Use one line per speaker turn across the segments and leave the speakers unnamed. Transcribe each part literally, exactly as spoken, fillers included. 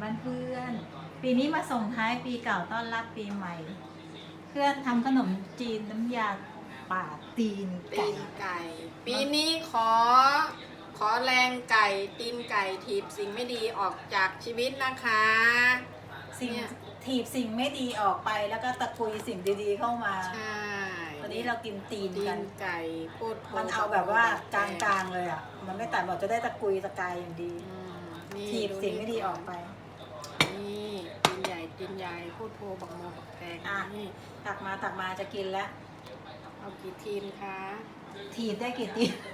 บ้านเพื่อน ปีนี้มาส่งท้ายปีเก่าต้อนรับปีใหม่ เพื่อนทำขนมจีนน้ำยาป่าตีน
ตี
ไก่
นไก่ ปีนี้ขอ ขอแรงไก่ตีนไก่ถีบสิ่งไม่ดีออกจากชีวิตนะคะ
สิ่ง
เนี่ย
ถีบสิ่งไม่ดีออกไปแล้วก็ตะกุยสิ่งดีๆเข้ามา
ใช่
วันนี้เรากินตีน
ตี
กัน
นไก่พูดโพ
มันเอาแบบว่ากลางๆเลยอ่ะ มันไม่ตัดบอกจะได้ตะกุยตะกายอย่างดี
อืมนี่
ถีบสิ่งไม่ดีออกไป
นี่ตีนใหญ่ตีนใหญ่พูดโพบักโมบักแตง
อ่ะ
นี่
ตักมาตักมาจะกินแล้ว
เอากี่ทีมคะ
ถีบได้กี่ตีน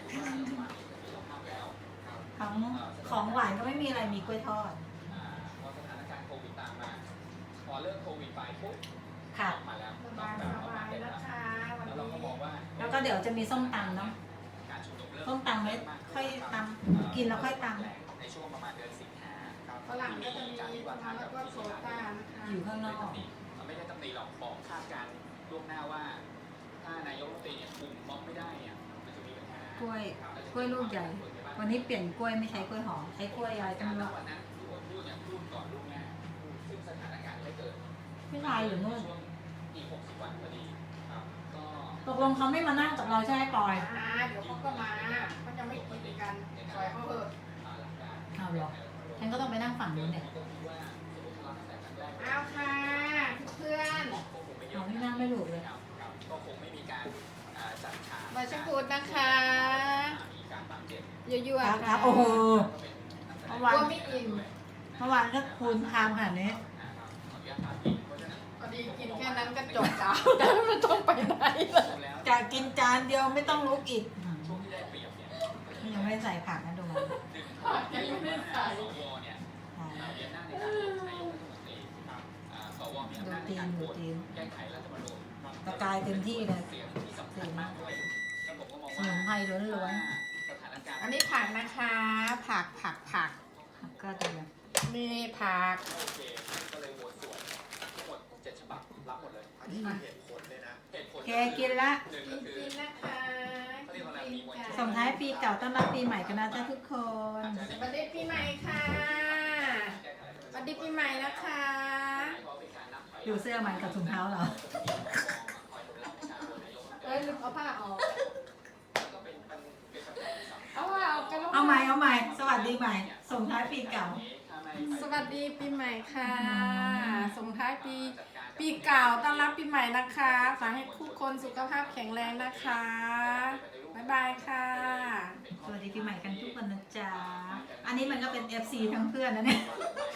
ของของหวานก็ไม่มีอะไรมีกล้วยทอด
พอสถานการณ์โควิดตามมา พอเลิกโควิดไปปุ๊บ
ค่ะ
มาแล้ว
สบายสบายแล้วค่ะวัน
แล้วเราก็
นี้
บอกว่า
แล้วก็เดี๋ยวจะมีส้มตำเนาะ
การชุมนุมเริ่ม
ส้มตำไว้ค่อยตำกินแล้วค่อยต
ในช่วงประมาณเดือนสิงหาครับ
ฝรั่งก็จะมีมะแล้วก็โซดานะคะ
ำอยู่ข้างนอก
ไม่ได้ตำหนิหรอกบอกคาดการณ์ล่วงหน้าว่า ถ้านายกรัฐมนตรีเนี่ยคุมม็อบไม่ได้เนี่ยมันจะมีปัญหาก
ล้วย กล้วยลูกใหญ่ วันนี้เปลี่ยนกล้วยไม่ใช้กล้วยหอมใช้กล้วยอะไรก็ไม่รู้
วันนั้นที่ผมพูดเนี่ยพูดก่อนล่วงหน้าซึ่งสถานการณ์ไม่เกิด
พี่ชายอยู่นู่น
ช่วงอีกหกสิบวันพอดีครับก็
ตกลงเขาไม่มานั่งกับเราใช่ไหมปอย
อ่าเดี๋ยวเขาก็มาเขาจะไม่กินกันปล่อยเขาเถอะ
เอาหรอฉันก็ต้องไปนั่งฝั่งนู้นเนี่ย
เอาค่ะเพื่อน
เอาที่นั่งไม่ถูกเลย
ก็คงไม่มีการอ่าจัดฉาก
ๆมาชพูดนะคะ
มีการบาดเจ็บ
ยั่ว
ครับ
ๆ
ครั
ค่ะ
บโอ้โห
ก
เมื่อวาน
ลัวไม่อิ่ม
เมื่อวานก็คูณพามขนาดนี้
พอดีกินแค่นั้นก็จบแล้วแล้วไม่ต้องไปไหนเลย
จะกินจานเดียวไม่ต้องลุกอีก
ช่วงที่ได้เปรียบเนี่ย
ยังไม่ได้ใส่ผักนะดูมัน
ยังไม่ใส่
สวเนี่ยมีอำนาจในการโหวตนายกรัฐมนตรีครับอ่าสวมีอำนาจในการโหวตแก้ไขรัฐธรรมนูญ
ตะกายเต็มที่เลย
เสียงที่สำคัญมากด้วยแล้วผมก็มอง
ส
ว่า
มุนไพรล้วน
สถานการณ์
อันนี้ผักนะคะ ผักผักผัก
ๆก็จะแบบ
นี่ผัก
โอเคก็เลยโหวตสวนทั้งหมดเจ็ดฉบับรับหมดเลยอันนี้เหตุผลเลยนะเหตุผล
แกกินละ
หนึ่ง
กิ
ก็
น
คือ
กินนะคะ
เขาเรียกว่าอะไรมีมวลชน
ส่งท้ายปีเก่าต้อนรับปีใหม่กันนะจ๊ะทุกคน
สวัสดีปีใหม่ค่ะสวัสดีปีใหม่นะคะ
ดูเสื้อมันกับถุงเท้าเหรอ
เอ้ยลืมเอาผ้าออกเอาผ้าออกกันแล้ว
เอาใหม่เอาใหม่สวัสดีใหม่ ส่งท้ายปีเก่า
สวัสดีปีใหม่ค่ะส่งท้ายปีปีเก่าต้อนรับปีใหม่นะคะขอให้ทุกคนสุขภาพแข็งแรงนะคะบ๊ายบายค่ะ
สวัสดีปีใหม่กันทุกคนนะจ๊ะ อันนี้มันก็เป็น เอฟ ซี ทั้งเพื่อนนะเนี่ย
ไ